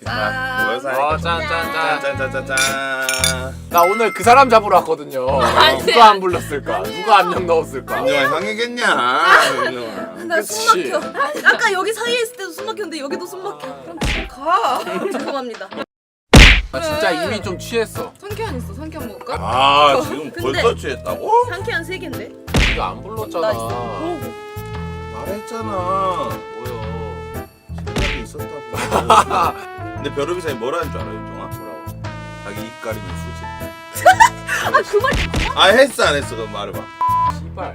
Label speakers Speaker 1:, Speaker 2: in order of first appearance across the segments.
Speaker 1: 모여서
Speaker 2: 짠짠짠.
Speaker 1: 나 오늘 그 사람 잡으러 왔거든요. 누가 안 불렀을까? 누가 안녕 넣었을까?
Speaker 2: 윤정아 형이겠냐?
Speaker 3: 나 숨 막혀. 아까 여기 사이에 있을 때도 숨 막혔는데 여기도 숨 막혀. 그럼 집에 가. 죄송합니다.
Speaker 1: 나 진짜 이미 좀 취했어.
Speaker 4: 상쾌한 있어. 상쾌한 먹을까?
Speaker 2: 아 지금
Speaker 3: 근데-
Speaker 2: 벌써 취했다고?
Speaker 3: 상쾌한 3개인데?
Speaker 1: 네가 안 불렀잖아.
Speaker 3: 나 있어.
Speaker 2: 말했잖아.
Speaker 1: 뭐야?
Speaker 2: 생각이 있었다고. 근데 벼루비상이 뭐라는 줄 알아 윤정아?
Speaker 1: 뭐라고?
Speaker 2: 자기 입 가리면 수지.
Speaker 3: 아, 그 말.
Speaker 2: 아 했어 안 했어? 그럼 말해봐.
Speaker 1: 씨발.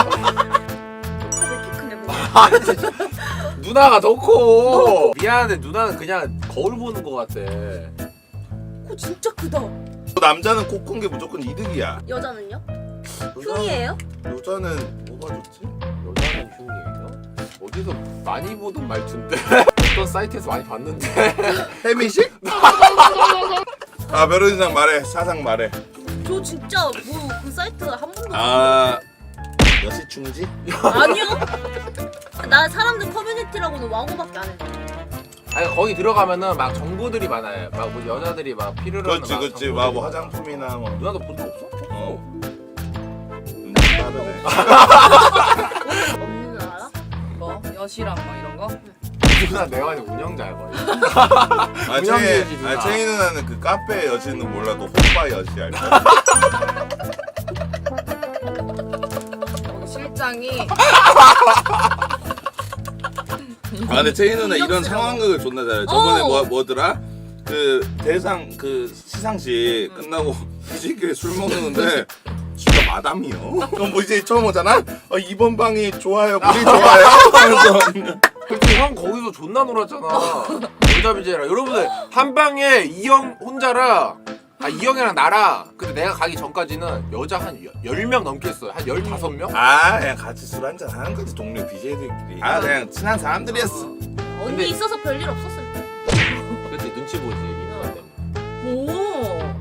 Speaker 3: 왜 이렇게 크냐, 뭐.
Speaker 1: 누나가 더 커. 미안한데 누나는 그냥 거울 보는 거 같아.
Speaker 3: 코 진짜 크다.
Speaker 2: 남자는 코 큰 게 무조건 이득이야.
Speaker 3: 여자는요? 흉이에요?
Speaker 2: 여자는 뭐가 좋지?
Speaker 1: 여자는 흉이에요? 어디서 많이 보던 말투인데? 어떤 사이트에서 많이 봤는데?
Speaker 2: 해미식? 아 벼루비상 말해. 사상 말해.
Speaker 3: 저 진짜 뭐 그 사이트 한 번도
Speaker 2: 아 여시충지?
Speaker 3: 아니요. 나 사람들 커뮤니티라고는 와고밖에 안 해.
Speaker 1: 아니 거기 들어가면은 막 정보들이 많아요. 막 뭐 여자들이 막 필요로 하는
Speaker 2: 그렇지 그렇지.
Speaker 1: 막
Speaker 2: 뭐 화장품이나 뭐.
Speaker 1: 누나도 본 적 없어?
Speaker 2: 어. 빠르네.
Speaker 3: 없는 줄 알아?
Speaker 4: 뭐 여시랑 막 이런 거?
Speaker 1: 누나 내가 아니 운영자야 거의.
Speaker 2: 아
Speaker 1: 운영진이지, 누나.
Speaker 2: 채희 누나는 그 카페 여시는 몰라도 호빠 여시 알까?
Speaker 4: 거기 실장이
Speaker 2: 아 근데 채희 누나 이런 상황극을 존나 잘해. 저번에
Speaker 3: 어.
Speaker 2: 뭐더라? 그 대상 그 시상식 끝나고 시식에 술 먹는데 지가 마담이요. 그럼 뭐 이제 처음 오잖아? 이번 방이 좋아요, 물이 좋아요. 하면서
Speaker 1: 솔직히 형 거기서 존나 놀았잖아. 여자 BJ랑 여러분들 한 방에 이형 혼자랑 이형이랑 나랑 근데 내가 가기 전까지는 여자 한 10명 넘게 했어요. 한 15명?
Speaker 2: 아 그냥 같이 술 한잔 하는 거지 동료 BJ들끼리. 아 그냥 친한 사람들이었어.
Speaker 3: 언니
Speaker 1: 근데-
Speaker 3: 있어서 별일 없었을 때.
Speaker 1: 그치 눈치 보지 이 누나 때문에.
Speaker 3: 오.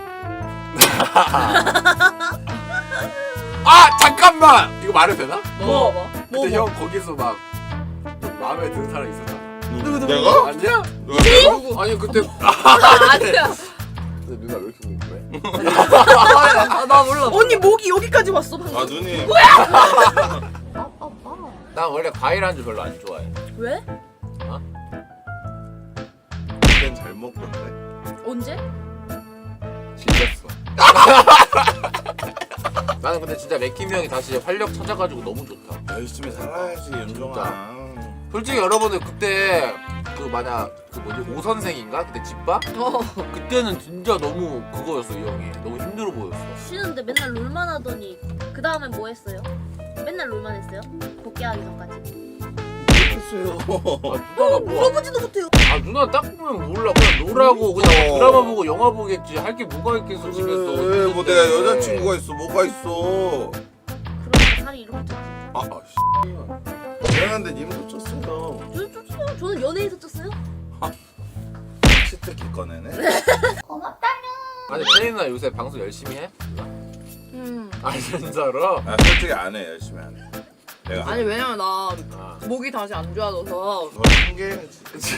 Speaker 1: 아 잠깐만! 이거 말해도 되나?
Speaker 3: 뭐?
Speaker 1: 그때 형 거기서 막 좀 마음에 드는 사람 있었잖아.
Speaker 2: 내가?
Speaker 1: 아니야?
Speaker 2: 누가?
Speaker 1: 아니 그때
Speaker 4: 아니야.
Speaker 1: 근데 누나 왜 이렇게 궁금해?
Speaker 4: 나 몰라.
Speaker 3: 언니 목이 여기까지 왔어 방금.
Speaker 2: 아 누님.
Speaker 1: 난 원래 과일 안주 별로 안 좋아해.
Speaker 3: 왜?
Speaker 2: 그땐 잘 먹던데.
Speaker 3: 언제?
Speaker 1: 질렸어. 나는 근데 진짜 맥킴이 형이 다시 활력 찾아가지고 너무 좋다.
Speaker 2: 열심히 살아야지 윤종아.
Speaker 1: 솔직히 여러분들 그때 그 만약 그 뭐지 오 선생인가 그때 집밥 그때는 진짜 너무 그거였어 이 형이 너무 힘들어 보였어.
Speaker 3: 쉬는데 맨날 롤만 하더니 그 다음엔 뭐 했어요? 맨날 롤만 했어요? 복귀하기 전까지.
Speaker 2: 글쎄요.
Speaker 1: 누나가 뭐?
Speaker 3: 물어보지도 못해요.
Speaker 1: 아 누나 딱 보면 몰라 그냥 놀라고 그냥 드라마 보고 영화 보겠지 할 게 뭐가 있겠어 집에서.
Speaker 2: 그래, 뭐 내가 여자친구가 있어 뭐가 있어.
Speaker 3: 그러니까 살이 이렇게 쪘지.
Speaker 2: 미안한데 님도 쪘어요.
Speaker 3: 쪘어요. 저는 연예에서 쪘어요.
Speaker 2: 치트키 꺼내네.
Speaker 1: 아니 채인 누나 요새 방송 열심히 해? 아 진짜로?
Speaker 2: 아 솔직히 안 해. 열심히 안 해. 내가
Speaker 4: 아니 왜냐면 나
Speaker 1: 아
Speaker 4: 목이 다시 안 좋아져서.
Speaker 2: 너 핑계지.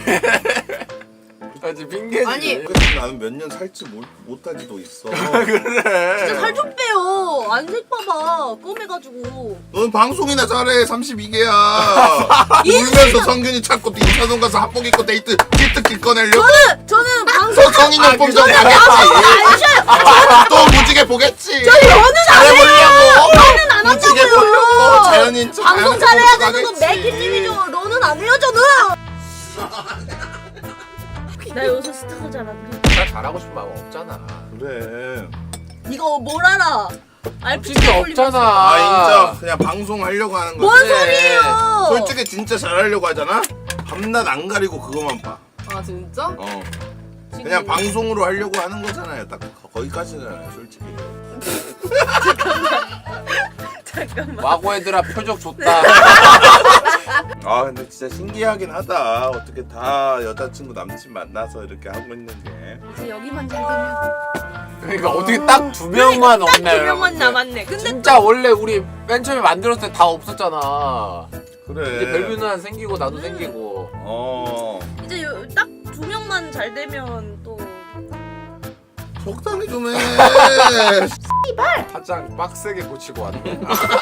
Speaker 1: 아 지금 핑계지.
Speaker 4: 아니.
Speaker 2: 그래서 나는 몇 년 살지 못하지도 있어.
Speaker 1: 그래.
Speaker 3: 진짜 살 좀 빼요. 안색 봐봐. 껌해가지고.
Speaker 2: 넌 방송이나 잘해. 32개야. 울면서 성균이 찾고 또 인사동 가서 합복 입고 데이트 치트키 꺼내려고.
Speaker 3: 저는 방송
Speaker 2: 성인용품 좀 가겠지. 또 무지개 보겠지.
Speaker 3: 저는
Speaker 2: 잘해보려고.
Speaker 3: 저는 안
Speaker 2: 무지개
Speaker 3: 한다고요.
Speaker 2: 보려고. 자연인 척.
Speaker 3: 방송
Speaker 2: 자연인
Speaker 3: 잘해야
Speaker 2: 척
Speaker 3: 되는 건
Speaker 2: 하겠지.
Speaker 3: 맥키님이죠. 너는 안 해요 저는. 나 요새 스타가 잘 안 돼.
Speaker 1: 나 잘하고 싶은 마음 없잖아.
Speaker 2: 그래.
Speaker 3: 이거 뭘 알아? 알피
Speaker 1: 진짜 없잖아.
Speaker 2: 아 인정. 그냥 방송 하려고 하는 거지.
Speaker 3: 뭔
Speaker 1: 그래.
Speaker 3: 소리예요?
Speaker 2: 솔직히 진짜 잘하려고 하잖아. 밤낮 안 가리고 그거만 봐.
Speaker 4: 아 진짜?
Speaker 2: 그냥 방송으로 하려고 하는 거잖아요. 딱 거기까지잖아요. 솔직히.
Speaker 3: 잠깐만.
Speaker 1: 와고 애들아 표적 좋다.
Speaker 2: 아 근데 진짜 신기하긴 하다. 어떻게 다 여자친구 남친 만나서 이렇게 하고 있는 게.
Speaker 3: 이제 여기만 잘 되면
Speaker 1: 그러니까 어떻게 딱 2명만 없네.
Speaker 3: 두 명만
Speaker 1: 여러분들.
Speaker 3: 남았네. 근데
Speaker 1: 진짜 원래 우리 맨 처음에 만들었을 때 다 없었잖아.
Speaker 2: 그래.
Speaker 1: 이제 별뷰 누나 생기고 나도 생기고.
Speaker 2: 어.
Speaker 3: 이제 딱 두 조명만 잘 되면 또
Speaker 2: 적당히 좀 해.
Speaker 1: 화장 빡세게 고치고 왔네.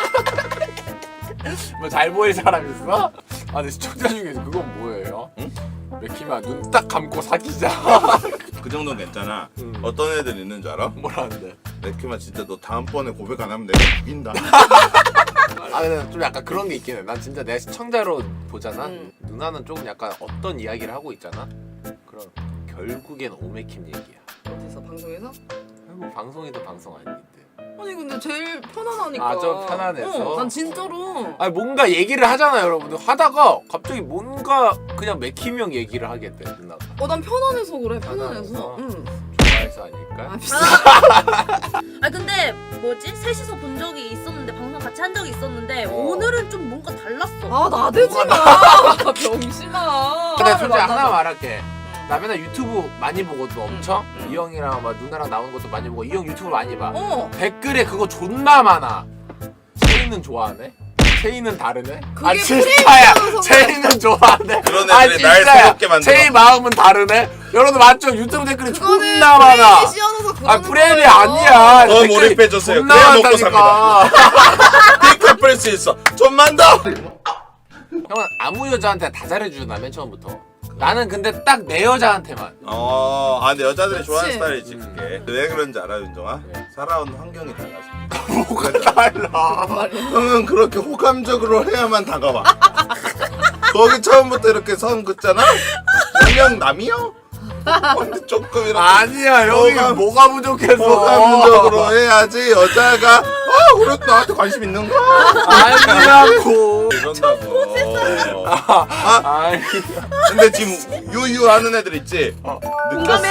Speaker 1: 뭐 잘 보일 사람 있어? 아 근데 시청자 중에서 그건 뭐예요?
Speaker 2: 응?
Speaker 1: 맥히마 눈 딱 감고 사귀자.
Speaker 2: 그 정도는 괜찮아.
Speaker 1: 음.
Speaker 2: 어떤 애들 있는 줄 알아?
Speaker 1: 뭐라는데?
Speaker 2: 맥키만 진짜 너 다음번에 고백 안 하면 내가 죽인다.
Speaker 1: 아 근데 좀 약간 그런 게 있긴 해. 난 진짜 내가 시청자로 보잖아.
Speaker 4: 응.
Speaker 1: 누나는 조금 약간 어떤 이야기를 하고 있잖아. 그럼 결국엔 오메킴 얘기야.
Speaker 4: 어디서 방송에서?
Speaker 1: 뭐 방송이든 방송 아닌데.
Speaker 4: 아니 근데 제일 편안하니까.
Speaker 1: 아, 좀 편안해서?
Speaker 4: 난 진짜로.
Speaker 1: 아니 뭔가 얘기를 하잖아 여러분들. 하다가 갑자기 뭔가 그냥 맥힘 형 얘기를 하게 돼 누나가.
Speaker 4: 난 편안해서 그래. 편안해서.
Speaker 1: 편안해서?
Speaker 4: 응.
Speaker 1: 좋아해서 아닐까?
Speaker 4: 아 비싸.
Speaker 3: 아 근데 뭐지? 셋이서 본 적이 있었는데 방송 같이 한 적이 있었는데
Speaker 1: 어.
Speaker 3: 오늘은 좀 뭔가 달랐어.
Speaker 4: 아 나대지 마. 병신아.
Speaker 1: 근데 솔직히
Speaker 4: 맞아.
Speaker 1: 하나 말할게. 나 맨날 유튜브 많이 보거든 엄청.
Speaker 4: 응.
Speaker 1: 이 형이랑 막 누나랑 나오는 것도 많이 보고 이 형 유튜브 많이 봐. 댓글에 그거 존나 많아. 체인은 좋아하네? 체인은 다르네?
Speaker 4: 그게
Speaker 1: 아 진짜야!
Speaker 4: 프레임이어서
Speaker 1: 체인은 좋아하네?
Speaker 2: 그런
Speaker 1: 아
Speaker 2: 애들이 날
Speaker 1: 진짜야!
Speaker 2: 새롭게 만들어.
Speaker 1: 체인 마음은 다르네? 여러분 맞죠? 유튜브 댓글이
Speaker 4: 그거는
Speaker 1: 존나 많아!
Speaker 4: 프레임이 씌워져서 그러는
Speaker 1: 아 프레임이
Speaker 4: 거예요.
Speaker 1: 아니야!
Speaker 2: 더
Speaker 1: 댓글이
Speaker 2: 몰입해줬어요.
Speaker 1: 존나
Speaker 2: 그래야 먹고
Speaker 1: 많다니까.
Speaker 2: 픽 갚을 수 있어. 좀만 더.
Speaker 1: 형은 아무 여자한테 다 잘해주잖아 맨 처음부터. 나는 근데 딱 내 여자한테만.
Speaker 2: 근데 여자들이
Speaker 4: 그치.
Speaker 2: 좋아하는 스타일이지 그게. 왜 그런지 알아, 윤정아?
Speaker 1: 왜?
Speaker 2: 살아온 환경이 달라서.
Speaker 1: 뭐가 달라?
Speaker 2: 형은 그렇게 호감적으로 해야만 다가와. 거기 처음부터 이렇게 선 긋잖아? 그냥 남이요? 근데 조금 이렇게
Speaker 1: 아니야 형이
Speaker 2: 호감-
Speaker 1: 뭐가 부족해서.
Speaker 2: 호감적으로 해야지 여자가 그래도 나한테 관심 있는가?
Speaker 1: 아니라고.
Speaker 2: 이런다고.
Speaker 1: 아니.
Speaker 2: 근데 지금 유유하는 애들 있지?
Speaker 1: 어.
Speaker 2: 느꼈어.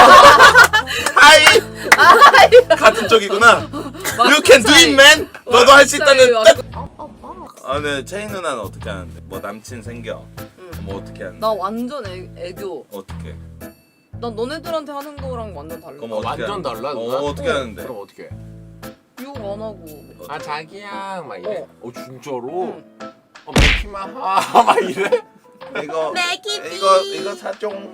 Speaker 2: 하이. 같은 쪽이구나. You can do it, man. 너도 할 수 있다는 뜻. 네 체인 누나는 어떻게 하는데? 뭐 남친 생겨? 뭐 어떻게 하는데?
Speaker 4: 나 완전 애교.
Speaker 2: 어떻게?
Speaker 4: 난 너네들한테 하는 거랑 완전 달라.
Speaker 2: 그럼 어떻게
Speaker 1: 완전
Speaker 2: 하는데?
Speaker 1: 달라 누나?
Speaker 2: 어떻게 하는데?
Speaker 1: 그럼 어떻게 해?
Speaker 4: 욕 안 하고.
Speaker 1: 아 자기야 막 이래.
Speaker 4: 어.
Speaker 1: 진짜로?
Speaker 4: 응.
Speaker 1: 맥히마 막 이래?
Speaker 2: 이거
Speaker 3: 맥키비.
Speaker 2: 이거 사종.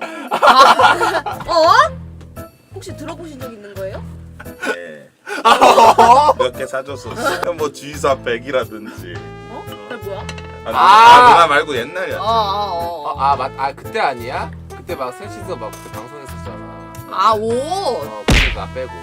Speaker 3: 혹시 들어보신 적 있는 거예요?
Speaker 2: 네. 몇 개 사줬어. 뭐 G사 100이라든지.
Speaker 3: 그게 뭐야?
Speaker 2: 누나 말고 옛날이야.
Speaker 1: 아 그때 아니야? 그때 막 셋이서 막 그때 방송했었잖아.
Speaker 4: 옷.
Speaker 1: 그때 나 빼고.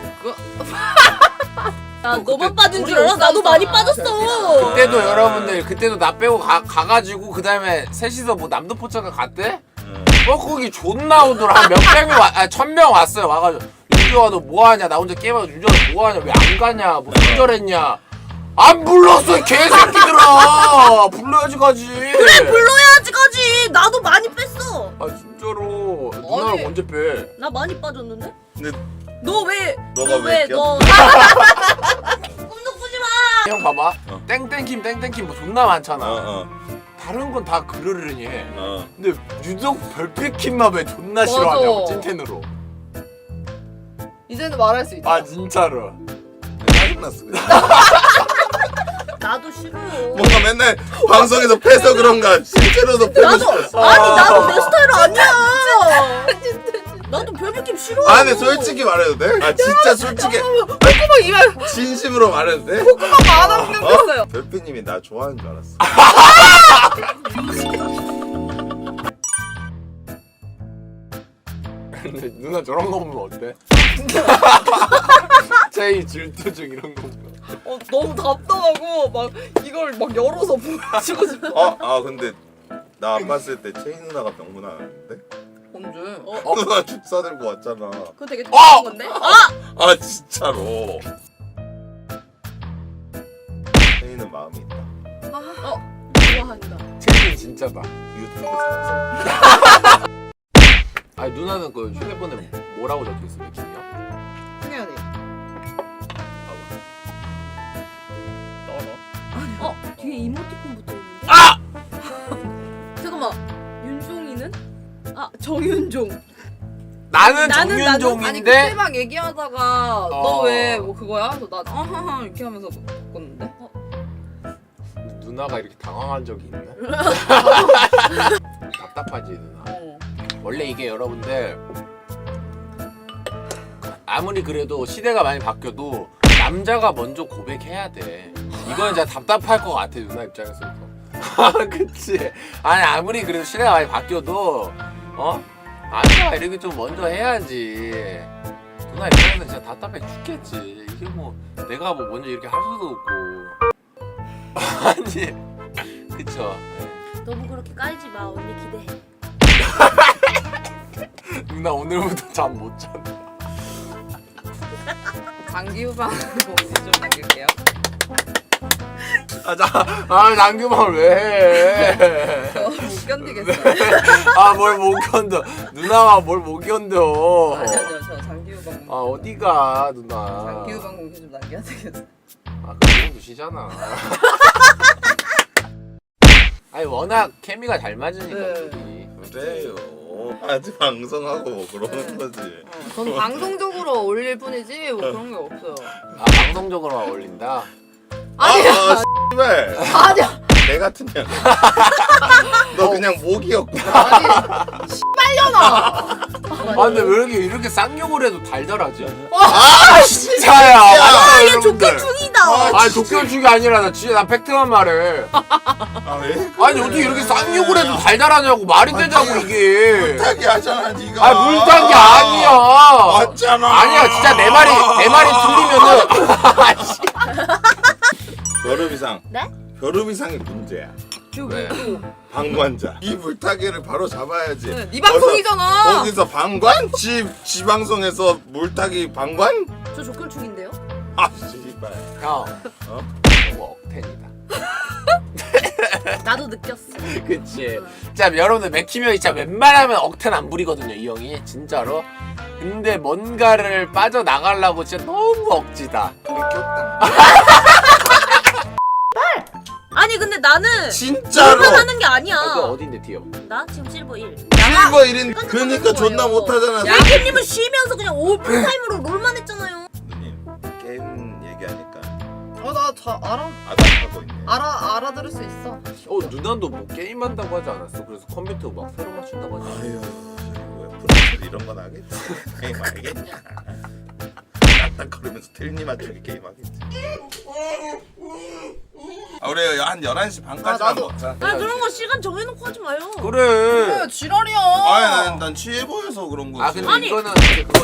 Speaker 3: 나
Speaker 1: 그때
Speaker 3: 너만 빠진 줄
Speaker 4: 우리
Speaker 3: 알아? 나도
Speaker 4: 없었잖아.
Speaker 3: 많이 빠졌어.
Speaker 1: 그때도 여러분들 그때도 나 빼고 가가지고 그 다음에 셋이서 뭐 남도포차가 갔대?
Speaker 2: 응.
Speaker 1: 거기 존나 오더라. 한 몇백 명 1000명 왔어요. 와가지고 윤주아 너 뭐하냐? 나 혼자 게임하고 윤주아 너 뭐하냐? 왜 안 가냐? 뭐 기절했냐? 안 불렀어 이 개새끼들아. 불러야지 가지.
Speaker 3: 그래 불러야지 가지. 나도 많이 뺐어.
Speaker 1: 아 진짜로 누나랑
Speaker 4: 아니.
Speaker 1: 언제 빼?
Speaker 3: 나 많이 빠졌는데?
Speaker 2: 근데
Speaker 3: 너 왜?
Speaker 2: 너가 왜 껴?
Speaker 3: 너 꿈도 꾸지 마.
Speaker 1: 형 봐봐.
Speaker 2: 어.
Speaker 1: 땡땡킴 뭐 존나 많잖아.
Speaker 2: 어.
Speaker 1: 다른 건 다 그러려니 해.
Speaker 2: 어.
Speaker 1: 근데 유독 별빛킴만 왜 존나
Speaker 4: 맞아.
Speaker 1: 싫어하냐고 찐텐으로.
Speaker 4: 이제는 말할 수 있다.
Speaker 1: 아 진짜로.
Speaker 2: 짜증났어. 그냥.
Speaker 3: 나도 싫어.
Speaker 2: 뭔가 맨날 방송에서 패서 그런가 실제로도 패고 싶었어.
Speaker 3: 아니 나도 내 스타일 아니야. 나도 별느낌 싫어.
Speaker 2: 아 근데 솔직히 말해도 돼? 아 진짜 솔직히
Speaker 4: 콧구멍 이만
Speaker 2: 진심으로 말해도 돼?
Speaker 4: 많아 생겼어요.
Speaker 2: 별빛님이 나 좋아하는 줄 알았어.
Speaker 1: 근데 누나 저런 거 보면 어때? 제이 질투증 이런 거 보면.
Speaker 4: 너무 답답하고 막 이걸 막 열어서 보여주고 싶어.
Speaker 2: 근데 나 안 봤을 때 체인 누나가 병문 안 왔는데?
Speaker 4: 언제?
Speaker 2: 누나 축사 들고 왔잖아.
Speaker 3: 그거 되게 좋은 건데?
Speaker 2: 아 진짜로. 체인은 마음이 있다.
Speaker 3: 좋아한다.
Speaker 1: 제이 진짜다.
Speaker 2: 유튜브 상성.
Speaker 1: 아니 누나는 그 휴대폰에 뭐라고 적혀있어 맥힘이요?
Speaker 4: 승현이.
Speaker 3: 뒤에 이모티콘 붙어 있는데? 잠깐만. 윤종이는? 정윤종.
Speaker 1: 나는
Speaker 3: 나는-
Speaker 4: 아니
Speaker 1: 정윤종인데
Speaker 4: 그때 막 얘기하다가 너 왜 뭐 그거야? 그래서 나 아하하 이렇게 하면서 바꿨는데.
Speaker 1: 누나가 이렇게 당황한 적이 있나? 답답하지 누나. 원래 이게 여러분들 아무리 그래도 시대가 많이 바뀌어도 남자가 먼저 고백해야 돼. 이건 진짜 답답할 것 같아 누나 입장에서도. 아 그치. 아니 아무리 그래도 시대가 많이 바뀌어도 남자가 이렇게 좀 먼저 해야지. 누나 입장에서 진짜 답답해 죽겠지. 이게 뭐 내가 뭐 먼저 이렇게 할 수도 없고. 아니 그쵸.
Speaker 3: 너무 그렇게 깔지 마. 언니 기대해.
Speaker 1: 누나 오늘부터 잠 못 잤다.
Speaker 4: 장기 후방 공지 좀 남길게요.
Speaker 1: 장규방을 왜 해?
Speaker 4: 저 못 견디겠어요.
Speaker 1: 뭘 못 견뎌. 누나가 뭘 못 견뎌.
Speaker 4: 아니요, 저 장기 후방 공지.
Speaker 1: 어디가 누나.
Speaker 4: 장기 후방 공지 좀 남겨야 되겠어.
Speaker 1: 그런 두시잖아. 아니 워낙 케미가 잘 맞으니까
Speaker 4: 네.
Speaker 1: 둘이.
Speaker 2: 그래요. 아직 방송하고 뭐 그러는 거지.
Speaker 4: 전 방송적으로 올릴 뿐이지 뭐 그런 게 없어요.
Speaker 1: 방송적으로만 어울린다.
Speaker 4: 아니야.
Speaker 2: 씨발.
Speaker 4: 아니야.
Speaker 2: 개 같은 년. 너 그냥 목이었구나.
Speaker 4: 아니. 빨려나.
Speaker 1: 근데 왜 이렇게 쌍욕을 해도 달달하지?
Speaker 2: 진짜야.
Speaker 3: 얘 조건 중이다.
Speaker 1: 족견축이 아니라 나 진짜 나 팩트만 말해.
Speaker 2: 왜?
Speaker 1: 아니 어떻게 이렇게 쌍욕을 해도 달달하냐고. 말이 되냐고 이게.
Speaker 2: 물타기 하잖아 네가.
Speaker 1: 물탄 게 아니야.
Speaker 2: 맞잖아.
Speaker 1: 아니야 진짜 내 말이 틀리면은.
Speaker 2: 벼루비상.
Speaker 3: 네?
Speaker 2: 벼루비상이 문제야.
Speaker 1: 왜?
Speaker 2: 방관자. 이 물타기를 바로 잡아야지.
Speaker 4: 네 방송이잖아.
Speaker 2: 거기서 방관? 지 방송에서 물타기 방관?
Speaker 3: 저 조건 중인데요?
Speaker 2: 씨발.
Speaker 1: 형. 너무 억텐이다.
Speaker 3: 나도 느꼈어.
Speaker 1: 그치. 진짜 여러분들 맥히면 진짜 웬만하면 억텐 안 부리거든요 이 형이 진짜로. 근데 뭔가를 빠져나가려고 진짜 너무 억지다.
Speaker 3: 아니 근데 나는
Speaker 2: 진짜로.
Speaker 3: 일만 하는 게 아니야.
Speaker 1: 그 어딘데 디어?
Speaker 3: 나 지금 실버 1.
Speaker 2: 실버 1인 그러니까 존나 못하잖아.
Speaker 3: 야이님은 쉬면서 그냥 풀타임으로 롤만 했잖아요.
Speaker 2: 누님 게임 얘기하니까
Speaker 4: 나 알아.
Speaker 2: 아닥하고 있네.
Speaker 4: 알아들을 수 있어.
Speaker 1: 누나도 뭐 게임한다고 하지 않았어? 그래서 컴퓨터 막 새로 맞춘다고 하지 않았어?
Speaker 2: 아유 왜 프로젝트 이런 건 하겠지. 게임 알겠냐. 딱딱거리면서 틀니 맞추기 게임 하겠지. 우리 한 11시 반까지만 먹자.
Speaker 3: 아 그런 거 시간 정해놓고 하지 마요.
Speaker 1: 그래.
Speaker 4: 지랄이야.
Speaker 2: 아니 난 취해 보여서 그런 거지.
Speaker 1: 근데
Speaker 3: 아니.
Speaker 1: 이거는 이제 그거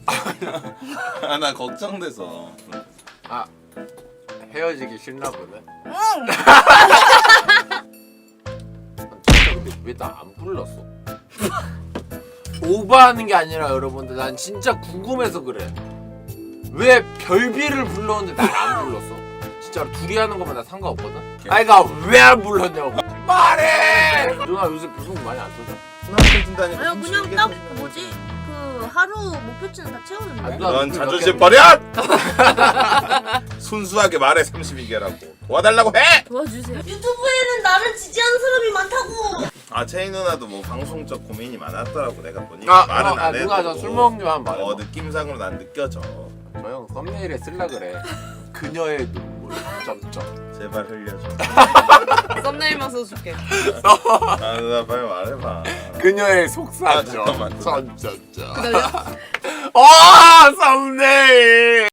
Speaker 2: 나 걱정돼서.
Speaker 1: 헤어지기 싫나 보네.
Speaker 4: 응.
Speaker 1: 진짜 근데 왜 나 안 불렀어? 오버하는 게 아니라 여러분들 난 진짜 궁금해서 그래. 왜 별비를 불렀는데 날 안 불렀어? 진짜로 둘이 하는 거면 나 상관없거든? 아이가 왜 안 불렀냐고 말해! 누나 요새 방송 많이 안 터져?
Speaker 2: 나한테 준다니까.
Speaker 3: 아니 그냥 딱 뭐지 그 하루 목표치는 다 채우는데.
Speaker 1: 누나
Speaker 2: 넌
Speaker 1: 몇
Speaker 2: 자존심
Speaker 1: 개-
Speaker 2: 버려! 순수하게 말해 32개라고 도와달라고 해!
Speaker 3: 도와주세요. 유튜브에는 나를 지지하는 사람이 많다고.
Speaker 2: 채희 누나도 뭐 방송적 고민이 많았더라고 내가 보니까 말은 안 해도
Speaker 1: 누나 저 술 먹는 거만 말해.
Speaker 2: 느낌상으로 난 느껴져.
Speaker 1: 저 형 썸네일에 쓸라 그래. 그녀의 눈물. 점점.
Speaker 2: 제발 흘려줘.
Speaker 4: 썸네일만 써줄게.
Speaker 2: 누나 빨리 말해봐.
Speaker 1: 그녀의 속사정.
Speaker 2: 잠깐만.
Speaker 1: 점점점.
Speaker 4: 기다려.
Speaker 1: 썸네일.